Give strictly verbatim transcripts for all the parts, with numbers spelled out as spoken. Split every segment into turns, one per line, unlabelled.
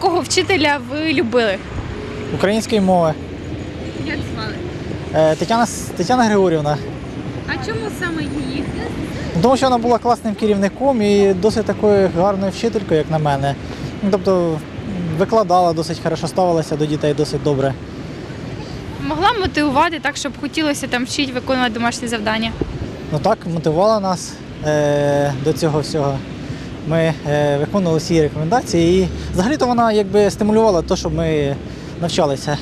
якого вчителя ви любили?
Української мови.
Як звали?
Е, Тетяна, Тетяна Григорівна.
А чому саме її?
Тому що вона була класним керівником і досить такою гарною вчителькою, як на мене. Ну, тобто викладала досить хорошо, ставилася до дітей досить добре.
Могла мотивувати так, щоб хотілося там вчити, виконувати домашні завдання?
Ну так, мотивувала нас е, до цього всього. Ми е, виконували всі рекомендації і взагалі-то вона якби стимулювала те, щоб ми навчалися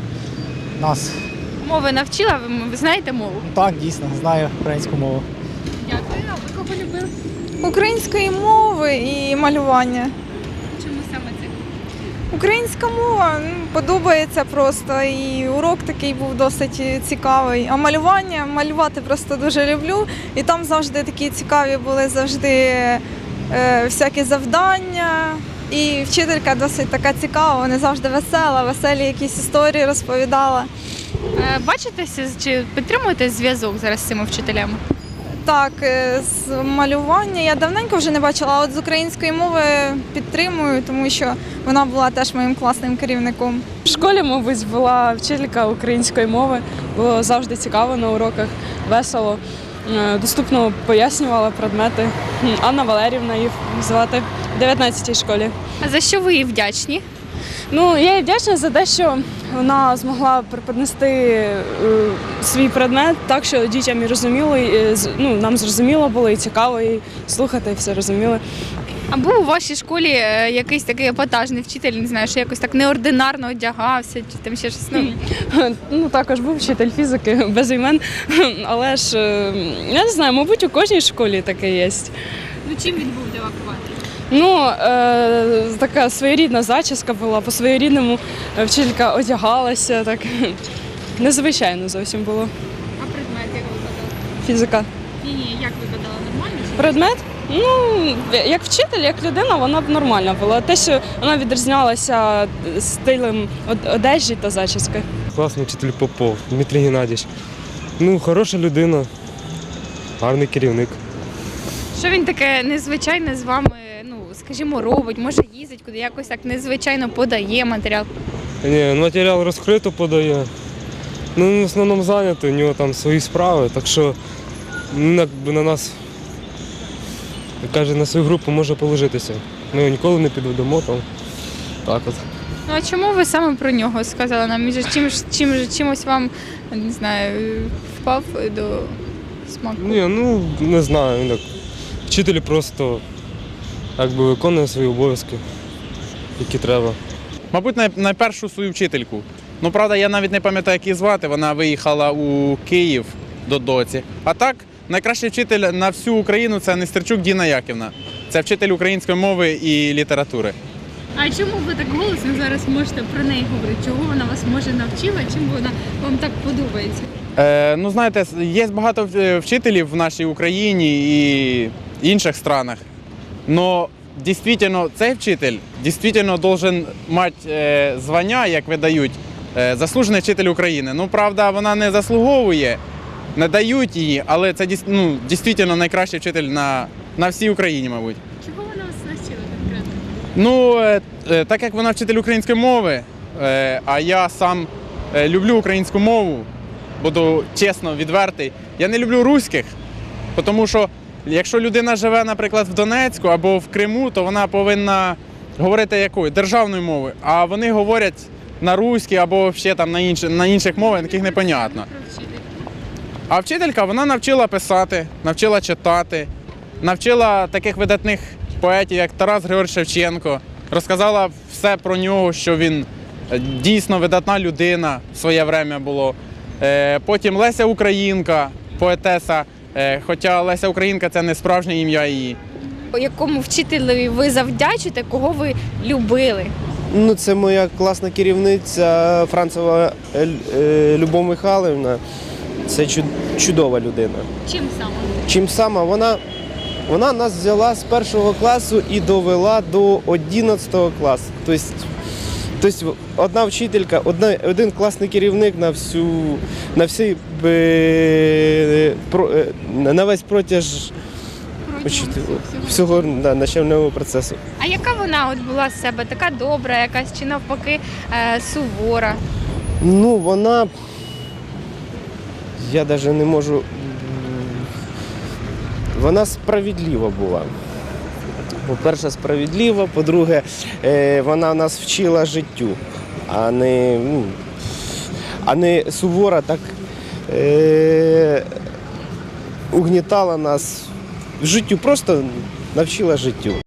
нас.
Мови навчила? Ви, ви знаєте мову?
Так, дійсно, знаю українську мову.
Дякую. А ви кого любили?
Української мови і малювання.
Чому саме це?
Українська мова ну, подобається просто, і урок такий був досить цікавий. А малювання, малювати просто дуже люблю. І там завжди такі цікаві були завжди е, всякі завдання. І вчителька досить така цікава, вона завжди весела, веселі якісь історії розповідала.
Е, Бачитеся чи підтримуєте зв'язок зараз з цими вчителями?
Так, е, з малювання я давненько вже не бачила, а от з української мови підтримую, тому що вона була теж моїм класним керівником.
В школі, мабуть, була вчителька української мови, було завжди цікаво на уроках, весело, е, доступно пояснювала предмети. Анна Валерівна її звати в дев'ятнадцятій школі.
А за що ви їй вдячні?
Ну, я їй вдячна за те, що вона змогла преподнести е, свій предмет так, що дітям і розуміло, і, е, з- ну, нам зрозуміло було і цікаво, і слухати, і все розуміли.
А був у вашій школі е, якийсь такий епатажний вчитель, не знаю, що якось так неординарно одягався, чи там ще щось? Ну,
Ну, також був вчитель фізики без імен, але ж, е, я не знаю, мабуть, у кожній школі таке є.
ну чим він був для вихователя?
Ну, е, така своєрідна зачіска була, по-своєрідному вчителька одягалася, так незвичайно зовсім було.
А предмет як викладала?
Фізика.
Ні, ні, як викладала? Нормально? Чи?
Предмет? Ну, як вчитель, як людина, вона б нормальна була. Те, що вона відрізнялася стилем од- одежі та зачіски.
Класний вчитель Попов, Дмитрій Геннадійович. Ну, хороша людина, гарний керівник.
Що він таке незвичайне з вами, ну, скажімо, робить, може їздить куди, якось так незвичайно подає матеріал?
Ні, матеріал розкрито подає. Ну, в основному зайнятий, у нього там свої справи, так що ну, якби на нас, як каже, на свою групу може положитися. Ми його ніколи не підведемо там. Так от.
Ну а чому ви саме про нього сказали нам? Він же чим, чим, чимось вам, не знаю, впав до смаку?
Ні, ну не знаю, він так. Вчитель просто якби виконує свої обов'язки, які треба.
Мабуть, най- найпершу свою вчительку. Ну, правда, я навіть не пам'ятаю, як її звати. Вона виїхала у Київ до доці. А так, найкращий вчитель на всю Україну – це Нестерчук Діна Яківна. Це вчитель української мови і літератури.
А чому ви так голосно зараз можете про неї говорити? Чого вона вас може навчила? Чим вона вам так подобається?
Е, ну, знаєте, є багато е, вчителів в нашій Україні і інших странах. Но дійсно цей вчитель дійсно должен мати е, звання, як видають, е, заслужений вчитель України. Ну, правда, вона не заслуговує, не дають її, але це дійс- ну, дійсно найкращий вчитель на, на всій Україні, мабуть.
Чого вона вас навчила конкретно?
Ну, е, е, так як вона вчитель української мови, е, а я сам е, люблю українську мову, буду чесно, відвертий, я не люблю руських, тому що якщо людина живе, наприклад, в Донецьку або в Криму, то вона повинна говорити якою? Державною мовою, а вони говорять на руській або ще там на, інші, на інших мовах, яких непонятно. А вчителька, вона навчила писати, навчила читати, навчила таких видатних поетів, як Тарас Григорович Шевченко, розказала все про нього, що він е, дійсно видатна людина в своє время було. Е, Потім Леся Українка, поетеса, е, хоча Леся Українка – це не справжнє ім'я її.
Якому вчителеві ви завдячите, кого ви любили?
Ну, це моя класна керівниця Францева е, е, Любов Михайлівна. Це чуд- чудова людина.
Чим саме?
Чим сама вона, вона нас взяла з першого класу і довела до одинадцятого класу. Тобто, тобто одна вчителька, одна, один класний керівник на всю, на всі, е, про, е, на весь протяж учителю, всього да, навчального процесу.
А яка вона от була з себе? Така добра якась чи навпаки е, сувора?
Ну, вона. Я навіть не можу. Вона справедлива була. По-перше, справедлива, по-друге, е, вона нас вчила життю, а не, ну, а не сувора так е, угнітала нас в життю, просто навчила життю.